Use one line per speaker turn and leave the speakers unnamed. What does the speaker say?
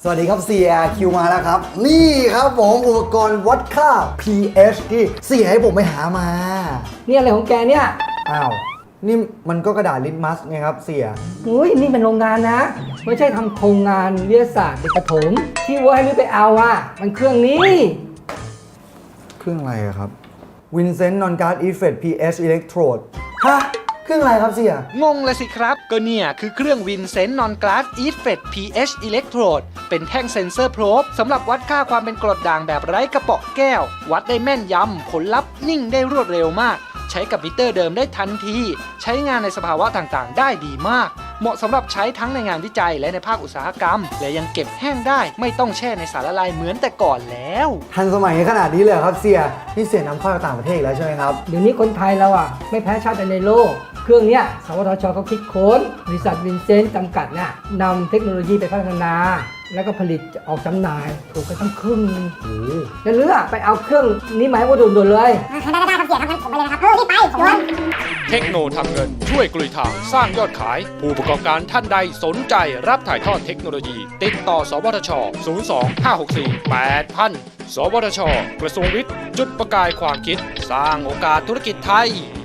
วัสดีครับเสียคิวมาแล้วครับนี่ครับผมอุปกรณ์วัดค่า pH ที่เสียให้ผมไปหามา
เนี่ยอะไรของแกเนี่ย
อ้าวนี่มันก็กระดาษลิตมัสไงครับเสีย
อุ้ยนี่เป็นโรงงานนะ ไม่ใช่ทำโครงงานวิทยาศาสตร์เด็กประถมที่ว่าให้นุ้ยไปเอาอ่ะมันเครื่องนี้
เครื่องอะไรอะครับ Vincent Non-Guard Effect pH Electrode ฮะเครื่องอะไรครับเสีย
งงเลยสิครับ ก็เนี่ยคือเครื่อง Vincent Non-Glass Effect pH Electrode เป็นแท่งเซ็นเซอร์โพรบสำหรับวัดค่าความเป็นกรดด่างแบบไร้กระเปาะแก้ว วัดได้แม่นยำผลลัพธ์นิ่งได้รวดเร็วมาก ใช้กับมิเตอร์เดิมได้ทันทีใช้งานในสภาวะต่างๆ ได้ดีมาก เหมาะสำหรับใช้ทั้งในงานวิจัยและในภาคอุตสาหกรรม และยังเก็บแห้งได้ไม่ต้องแช่ในสารละลายเหมือนแต่ก่อนแล้ว
ทันสมัยขนาดนี้เลยเหรอครับเสียนี่เสียนำเข้าจากต่างประเทศอีกแล้วใช่ไหมครับ
เดี๋ยวนี้คนไทยเราอ่ะไม่แพ้ชาติใดในโลก เครื่องเนี้ยสวทชเขาคิดค้นบริษัทวินเซนต์จำกัดน่ะนำเทคโนโลยีไปพัฒนา แล้วก็ผลิตออกจำหน่ายถูกกันทั้งครึ่งจะเลือกไปเอาเครื่องนี้มาให้ว่าด่วนๆเลย
ได้ครับเสียครับงั้นผมไปเลยนะครับรีบไปด่วน
เทคโนทำเงินช่วยกลุยทางสร้างยอดขาย ผู้ประกอบการท่านใดสนใจรับถ่ายทอดเทคโนโลยี ติดต่อสวทช 02-564-8000 สวทช กระทรวงวิทย์ จุดประกายความคิด สร้างโอกาสธุรกิจไทย